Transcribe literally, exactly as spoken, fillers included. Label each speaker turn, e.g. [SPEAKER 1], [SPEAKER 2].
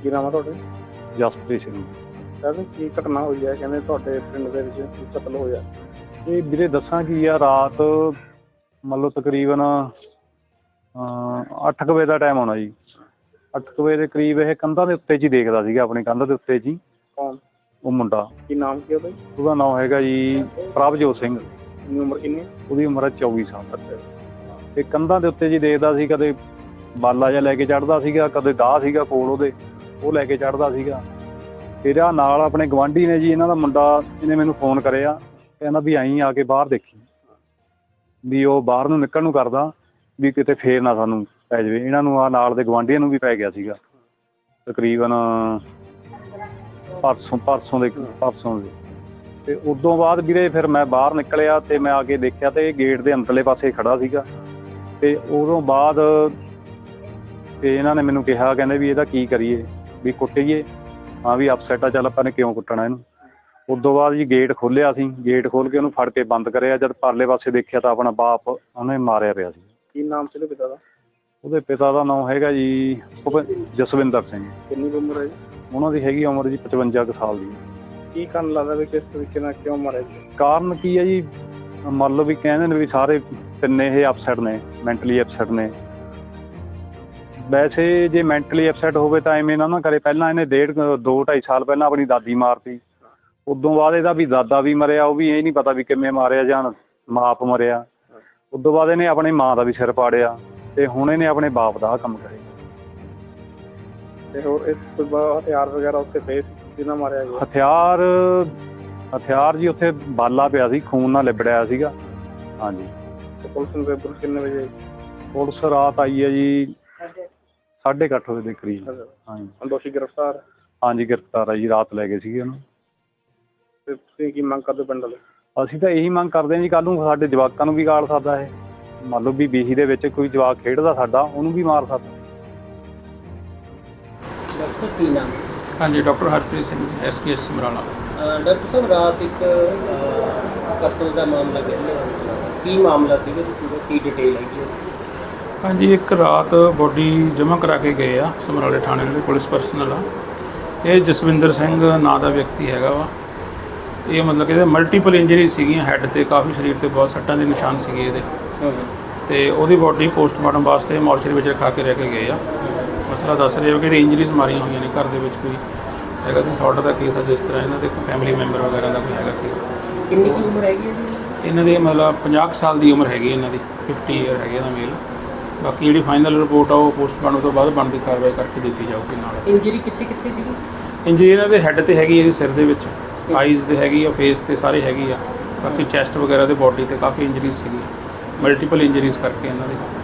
[SPEAKER 1] ਕੀ ਨਾਮ ਆ ਤੁਹਾਡੇ?
[SPEAKER 2] ਜਸਪ੍ਰੀਤ ਸਿੰਘ।
[SPEAKER 1] ਸਰ ਕੀ ਘਟਨਾ ਹੋਈ ਹੈ? ਕਹਿੰਦੇ ਤੁਹਾਡੇ ਪਿੰਡ ਦੇ ਵਿੱਚ ਕੀ ਕਤਲ ਹੋਇਆ?
[SPEAKER 2] ਇਹ ਵੀਰੇ ਦੱਸਾਂ ਕੀ ਆ, ਰਾਤ ਮੰਨ ਲਓ ਤਕਰੀਬਨ ਅੱਠ ਕੁ ਵਜੇ ਦਾ ਟਾਈਮ ਹੋਣਾ ਜੀ। ਅੱਠ ਕੁ ਵਜੇ ਦੇ ਕਰੀਬ ਇਹ ਕੰਧਾਂ ਦੇ ਉੱਤੇ 'ਚ ਹੀ ਦੇਖਦਾ ਸੀਗਾ, ਆਪਣੀ ਕੰਧ ਦੇ ਉੱਤੇ 'ਚ ਹੀ।
[SPEAKER 1] ਕੌਣ?
[SPEAKER 2] ਉਹ ਮੁੰਡਾ।
[SPEAKER 1] ਕੀ ਨਾਮ ਕੀ ਉਹਦਾ?
[SPEAKER 2] ਉਹਦਾ ਨਾਮ ਹੈਗਾ ਜੀ ਪ੍ਰਭਜੋਤ ਸਿੰਘ।
[SPEAKER 1] ਕਿੰਨੀ ਉਮਰ ਕਿੰਨੀ?
[SPEAKER 2] ਉਹਦੀ ਉਮਰ ਹੈ ਚੌਵੀ ਸਾਲ। ਤੇ ਕੰਧਾਂ ਦੇ ਉੱਤੇ ਜੀ ਦੇਖਦਾ ਸੀ, ਕਦੇ ਬਾਲਾ ਜਿਹਾ ਲੈ ਕੇ ਚੜ੍ਹਦਾ ਸੀਗਾ, ਕਦੇ ਦਾਹ ਸੀਗਾ ਕੋਲ ਉਹਦੇ, ਉਹ ਲੈ ਕੇ ਚੜ੍ਹਦਾ ਸੀਗਾ। ਫਿਰ ਆ ਨਾਲ ਆਪਣੇ ਗਵਾਂਢੀ ਨੇ ਜੀ, ਇਹਨਾਂ ਦਾ ਮੁੰਡਾ, ਇਹਨੇ ਮੈਨੂੰ ਫੋਨ ਕਰਿਆ, ਕਹਿੰਦਾ ਵੀ ਆਈਂ ਆ ਕੇ ਬਾਹਰ ਦੇਖੀ, ਵੀ ਉਹ ਬਾਹਰ ਨੂੰ ਨਿਕਲਣ ਨੂੰ ਕਰਦਾ ਵੀ ਕਿਤੇ ਫੇਰ ਨਾ ਸਾਨੂੰ ਪੈ ਜਾਵੇ। ਇਹਨਾਂ ਨੂੰ ਆ ਨਾਲ ਦੇ ਗਵਾਂਢੀਆਂ ਨੂੰ ਵੀ ਪੈ ਗਿਆ ਸੀਗਾ ਤਕਰੀਬਨ ਪਰਸੋਂ ਪਰਸੋਂ ਦੇ ਪਰਸੋਂ ਦੇ ਅਤੇ ਉਦੋਂ ਬਾਅਦ ਵੀਰੇ ਫਿਰ ਮੈਂ ਬਾਹਰ ਨਿਕਲਿਆ ਅਤੇ ਮੈਂ ਆ ਕੇ ਦੇਖਿਆ ਅਤੇ ਇਹ ਗੇਟ ਦੇ ਅੰਦਰਲੇ ਪਾਸੇ ਖੜ੍ਹਾ ਸੀਗਾ। ਅਤੇ ਉਦੋਂ ਬਾਅਦ ਅਤੇ ਇਹਨਾਂ ਨੇ ਮੈਨੂੰ ਕਿਹਾ, ਕਹਿੰਦੇ ਵੀ ਇਹਦਾ ਕੀ ਕਰੀਏ, ਵੀ ਕੁੱਟੀਏ? ਹਾਂ ਵੀ ਅਪਸੈਟ ਆ, ਚੱਲ ਆਪਾਂ ਨੇ ਕਿਉਂ ਕੁੱਟਣਾ ਇਹਨੂੰ। ਉਦੋਂ ਬਾਅਦ ਜੀ ਗੇਟ ਖੋਲ੍ਹਿਆ ਸੀ, ਗੇਟ ਖੋਲ੍ਹ ਕੇ ਉਹਨੂੰ ਫੜ ਕੇ ਬੰਦ ਕਰਿਆ। ਜਦ ਪਰਲੇ ਪਾਸੇ ਦੇਖਿਆ ਤਾਂ ਆਪਣਾ ਬਾਪ ਉਹਨੇ ਮਾਰਿਆ ਪਿਆ ਸੀ।
[SPEAKER 1] ਕੀ ਨਾਮ ਸੀ ਉਹਦੇ ਪਿਤਾ ਦਾ?
[SPEAKER 2] ਉਹਦੇ ਪਿਤਾ ਦਾ ਨਾਮ ਹੈਗਾ ਜੀ ਜਸਵਿੰਦਰ ਸਿੰਘ।
[SPEAKER 1] ਕਿੰਨੀ ਕੁ ਉਮਰ ਹੈ ਜੀ?
[SPEAKER 2] ਉਹਨਾਂ ਦੀ ਹੈਗੀ ਉਮਰ ਜੀ ਪਚਵੰਜਾ ਕੁ ਸਾਲ ਦੀ।
[SPEAKER 1] ਕੀ ਕਾਰਨ ਲੱਗਦਾ ਵੀ ਕਿਸ ਤਰੀਕੇ ਨਾਲ ਕਿਉਂ ਮਾਰਿਆ ਜੀ?
[SPEAKER 2] ਕਾਰਨ ਕੀ ਹੈ ਜੀ, ਮੰਨ ਲਓ ਵੀ ਕਹਿੰਦੇ ਨੇ ਵੀ ਸਾਰੇ ਤਿੰਨੇ ਇਹ ਅਪਸੈਟ ਨੇ, ਮੈਂਟਲੀ ਅਪਸੈਟ ਨੇ। ਵੈਸੇ ਜੇ ਮੈਂਟਲੀ ਅਪਸੈਟ ਹੋਵੇ ਤਾਂ ਐਵੇਂ ਨਾ ਨਾ ਕਰੇ। ਪਹਿਲਾਂ ਇਹਨੇ ਡੇਢ ਦੋ ਢਾਈ ਸਾਲ ਪਹਿਲਾਂ ਆਪਣੀ ਦਾਦੀ ਮਾਰਤੀ। ਉਦੋਂ ਬਾਅਦ ਇਹਦਾ ਵੀ ਦਾਦਾ ਵੀ ਮਰਿਆ, ਉਹ ਵੀ ਇਹ ਨਹੀਂ ਪਤਾ ਵੀ ਕਿਵੇਂ ਮਾਰਿਆ ਜਾਂ ਮਾਪ ਮਰਿਆ। ਉਦੋਂ ਬਾਅਦ ਇਹਨੇ ਆਪਣੀ ਮਾਂ ਦਾ ਵੀ ਸਿਰ ਪਾੜਿਆ ਅਤੇ ਹੁਣ ਇਹਨੇ ਆਪਣੇ ਬਾਪ ਦਾ ਕੰਮ ਕਰਿਆ।
[SPEAKER 1] ਅਤੇ ਹੋਰ ਇਸ ਤੋਂ ਬਾਅਦ ਹਥਿਆਰ ਵਗੈਰਾ ਉੱਥੇ ਪਏ ਸੀ ਜਿਹਨਾਂ ਮਾਰਿਆ ਗਿਆ?
[SPEAKER 2] ਹਥਿਆਰ ਹਥਿਆਰ ਜੀ ਉੱਥੇ ਬਾਲਾ ਪਿਆ ਸੀ, ਖੂਨ ਨਾਲ ਲਿਬੜਿਆ ਸੀਗਾ। ਹਾਂਜੀ।
[SPEAKER 1] ਅਤੇ ਪੁਲਿਸ ਨੂੰ ਪੁਲਿਸ ਕਿੰਨੇ ਵਜੇ?
[SPEAKER 2] ਪੁਲਿਸ ਰਾਤ ਆਈ ਹੈ ਜੀ ਸਾਢੇ ਕੁ ਅੱਠ ਵਜੇ ਦੇ ਕਰੀਬ। ਹਾਂਜੀ।
[SPEAKER 1] ਦੋਸ਼ੀ ਗ੍ਰਿਫਤਾਰ?
[SPEAKER 2] ਹਾਂਜੀ ਗ੍ਰਿਫਤਾਰ ਆ ਜੀ, ਰਾਤ ਲੈ ਗਏ ਸੀਗੇ ਉਹਨੂੰ।
[SPEAKER 1] ਅਤੇ ਤੁਸੀਂ ਕੀ ਮੰਗ ਕਰਦੇ ਪਿੰਡ ਵਾਲੇ?
[SPEAKER 2] ਅਸੀਂ ਤਾਂ ਇਹੀ ਮੰਗ ਕਰਦੇ ਹਾਂ ਜੀ, ਕੱਲ੍ਹ ਨੂੰ ਸਾਡੇ ਜਵਾਕਾਂ ਨੂੰ ਵੀ ਗਾਲ ਸਕਦਾ ਇਹ। ਮੰਨ ਲਓ ਵੀ ਬੀਹੀ ਦੇ ਵਿੱਚ ਕੋਈ ਜਵਾਕ ਖੇਡਦਾ ਸਾਡਾ, ਉਹਨੂੰ ਵੀ ਮਾਰ ਸਕਦਾ।
[SPEAKER 3] ਡਾਕਟਰ ਸਾਹਿਬ ਕੀ ਨਾਮ?
[SPEAKER 4] ਹਾਂਜੀ, doctor Harpreet Singh, S K S Samrala.
[SPEAKER 3] Doctor sahib ਰਾਤ ਇੱਕ ਕਤਲ ਦਾ ਮਾਮਲਾ ਕਹਿੰਦੇ, ਕੀ ਮਾਮਲਾ ਸੀਗਾ ਜੀ ਪੂਰਾ, ਕੀ ਡਿਟੇਲ ਹੈਗੀ?
[SPEAKER 4] ਹਾਂਜੀ, ਇੱਕ ਰਾਤ ਬੋਡੀ ਜਮ੍ਹਾਂ ਕਰਾ ਕੇ ਗਏ ਆ ਸਮਰਾਲੇ ਥਾਣੇ ਦੇ ਪੁਲਿਸ ਪਰਸਨਲ ਆ। ਇਹ ਜਸਵਿੰਦਰ ਸਿੰਘ ਨਾਂ ਦਾ ਵਿਅਕਤੀ ਹੈਗਾ ਵਾ। ਇਹ ਮਤਲਬ ਕਿ ਇਹਦੇ ਮਲਟੀਪਲ ਇੰਜਰੀ ਸੀਗੀਆਂ, ਹੈੱਡ 'ਤੇ ਕਾਫੀ, ਸਰੀਰ 'ਤੇ ਬਹੁਤ ਸੱਟਾਂ ਦੇ ਨਿਸ਼ਾਨ ਸੀਗੇ ਇਹਦੇ। ਅਤੇ ਉਹਦੀ ਬੋਡੀ ਪੋਸਟਮਾਰਟਮ ਵਾਸਤੇ ਮੋਰਚਰੀ ਵਿੱਚ ਰਖਾ ਕੇ ਰਹਿ ਕੇ ਗਏ ਆ। ਮਸਲਾ ਦੱਸ ਰਹੇ ਹੋ ਕਿ ਇੰਜਰੀਜ਼ ਮਾਰੀਆਂ ਹੋਈਆਂ ਨੇ, ਘਰ ਦੇ ਵਿੱਚ ਕੋਈ ਹੈਗਾ ਸੀ ਸੌਟ ਦਾ ਕੇਸ ਆ, ਜਿਸ ਤਰ੍ਹਾਂ ਇਹਨਾਂ ਦੇ ਫੈਮਿਲੀ ਮੈਂਬਰ ਵਗੈਰਾ ਦਾ ਕੋਈ ਹੈਗਾ ਸੀ।
[SPEAKER 3] ਕਿੰਨੀ ਕੁ ਉਮਰ ਹੈਗੀ ਹੈ ਜੀ ਇਹਨਾਂ
[SPEAKER 4] ਦੀ? ਮਤਲਬ ਪੰਜਾਹ ਕੁ ਸਾਲ ਦੀ ਉਮਰ ਹੈਗੀ ਇਹਨਾਂ ਦੀ, ਫਿਫਟੀ ਈਅਰ ਹੈਗੇ ਇਹਦਾ ਮੇਲ। ਬਾਕੀ ਜਿਹੜੀ ਫਾਈਨਲ ਰਿਪੋਰਟ ਆ ਉਹ ਪੋਸਟਮਾਰਟਮ ਤੋਂ ਬਾਅਦ ਬਣਦੀ ਕਾਰਵਾਈ ਕਰਕੇ ਦਿੱਤੀ ਜਾਊਗੀ। ਨਾਲ
[SPEAKER 3] ਇੰਜਰੀ ਕਿੱਥੇ ਕਿੱਥੇ ਸੀਗੀ?
[SPEAKER 4] ਇੰਜਰੀ ਇਹਨਾਂ ਦੇ ਹੈੱਡ 'ਤੇ ਹੈਗੀ, ਇਹਦੇ ਸਿਰ ਦੇ ਵਿੱਚ, ਆਈਜ਼ 'ਤੇ ਹੈਗੀ ਆ, ਫੇਸ 'ਤੇ ਸਾਰੇ ਹੈਗੀ ਆ। ਬਾਕੀ ਚੈਸਟ ਵਗੈਰਾ ਦੇ ਬੋਡੀ 'ਤੇ ਕਾਫੀ ਇੰਜਰੀਜ਼ ਸੀਗੀ, ਮਲਟੀਪਲ ਇੰਜਰੀਜ਼ ਕਰਕੇ ਇਹਨਾਂ ਦੇ।